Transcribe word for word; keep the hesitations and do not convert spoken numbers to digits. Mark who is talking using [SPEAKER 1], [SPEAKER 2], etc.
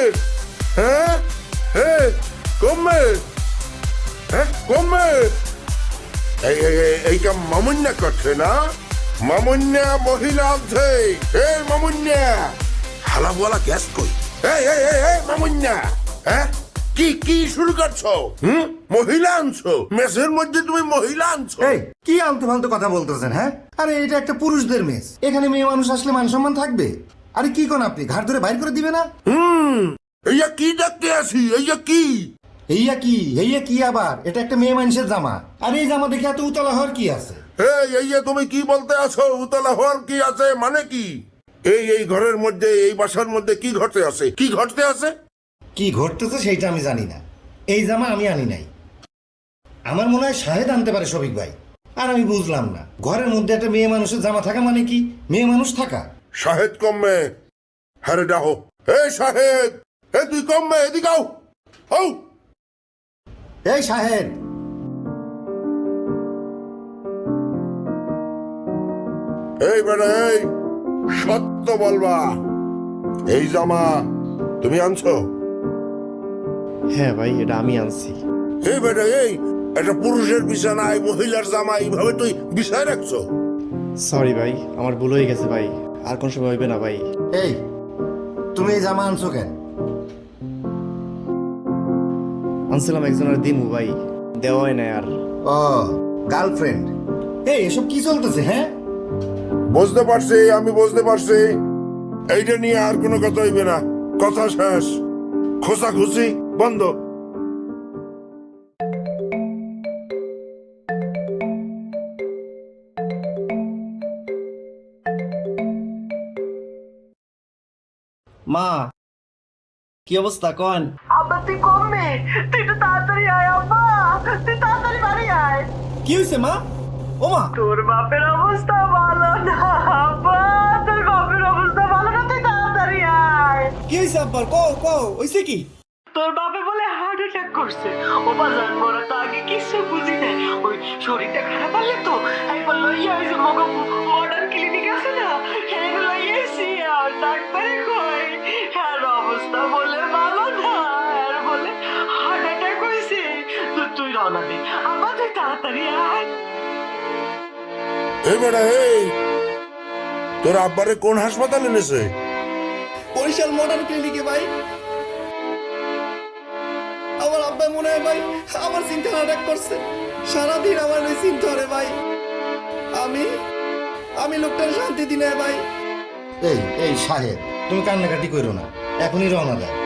[SPEAKER 1] হ্যাঁ হ্যাঁ কমবে হ্যাঁ কমবে এই এইটা মামুন্যা করছে না মামুন্যা মহিলা আছে এই মামুন্যা হালা বলা গ্যাস কই এই এই এই এই মামুন্যা হ্যাঁ কি কি শুরু করছো হুম মহিলা আনছো মেসের মধ্যে তুমি মহিলা আনছো
[SPEAKER 2] এই কি আলতু ফালতু কথা বলতেছেন হ্যাঁ আরে এটা একটা পুরুষদের মেস এখানে মেয়ে মানুষ আসলে মান সম্মান থাকবে আরে কি কোন আপনি ঘাট ধরে বাইর করে দিবে না
[SPEAKER 1] হুম এইয়া কি দেখতে আসি এইয়া কি
[SPEAKER 2] এইয়া কি এইয়া কি আবার এটা একটা মেয়ে মানুষের জামা আর এই জামা দেখে এত উতলা হওয়ার কি আছে
[SPEAKER 1] এই এইয়া তুমি কি বলতে আছো উতলা হওয়ার কি আছে মানে কি এই এই ঘরের মধ্যে এই বাসার মধ্যে কি ঘটতে আছে কি ঘটতে আছে
[SPEAKER 2] কি ঘটতেছে সেইটা আমি জানি না এই জামা আমি আনি নাই আমার মনে হয় শাহেদ আনতে পারে শফিক ভাই আর আমি বুঝলাম না ঘরের মধ্যে একটা মেয়ে মানুষের জামা থাকা মানে কি মেয়ে মানুষ থাকা
[SPEAKER 1] শাহেদ কমবে হ্যাঁ ডাহো এই শাহেদ এ তুই কমবে এদিকে আও আও
[SPEAKER 2] এই শাহেদ
[SPEAKER 1] এই বেটা এই সত্য বলবা এই জামা তুমি আনছো
[SPEAKER 3] হ্যাঁ ভাই এটা আমি আনছি।
[SPEAKER 1] এই বেটা এই একটা পুরুষের বিছানায় মহিলার জামা এইভাবে তুই বিছায় রাখছো
[SPEAKER 3] সরি ভাই আমার ভুল হয়ে গেছে ভাই আর কোন সময় হইবে না ভাই।
[SPEAKER 2] এই তুমি এই জামা আনছো কেন
[SPEAKER 3] আনছিলাম একজনের দিমু ভাই দেওয়া হয় না আর।
[SPEAKER 2] ও গার্লফ্রেন্ড এই এসব কি চলতেছে হ্যাঁ
[SPEAKER 1] বুঝতে পারছি আমি বুঝতে পারছি এইটা নিয়ে আর কোনো কথা হইবে না কথা শেষ খোঁচাখুচি বন্ধ
[SPEAKER 3] মা কি অবস্থা কন?
[SPEAKER 4] আব্বা তুই কমবে তুই একটু তাড়াতাড়ি আয় আব্বা তুই তাড়াতাড়ি বাড়ি আয়
[SPEAKER 3] কি হয়েছে মা? ও মা
[SPEAKER 4] তোর বাপের অবস্থা ভালো না আব্বা তোর বাপের অবস্থা ভালো না তুই তাড়াতাড়ি আয়
[SPEAKER 3] কি হয়েছে আব্বার কও কও হয়েছে কি?
[SPEAKER 4] তোর বাপে বলে হার্ট অ্যাটাক করছে ও বাজার বড় তো আগে কিছু বুঝি নাই ওই শরীরটা খারাপ হলে তো একবার লইয়া ওই যে মগ মডার্ন ক্লিনিক আছে না এগুলো লইয়াছি আর ডাক্তারে কই হ্যাঁ অবস্থা বলে ভালো না আর বলে হার্ট অ্যাটাক হয়েছে তো তুই রওনা দে আবার তুই তাড়াতাড়ি আয়
[SPEAKER 1] এই বেটা এই তোর আব্বারে কোন হাসপাতালে এনেছে
[SPEAKER 3] বরিশাল মডার্ন ক্লিনিকে ভাই। আমার আব্বা মনে হয় ভাই আমার চিন্তা অ্যাটাক করছে সারাদিন আমার ওই চিন্তা রে ভাই আমি আমি লোকটার শান্তি দিনে ভাই।
[SPEAKER 2] এই এই শাহেদ তুমি কান্নাকাটি করো না এখনই রওনা দাও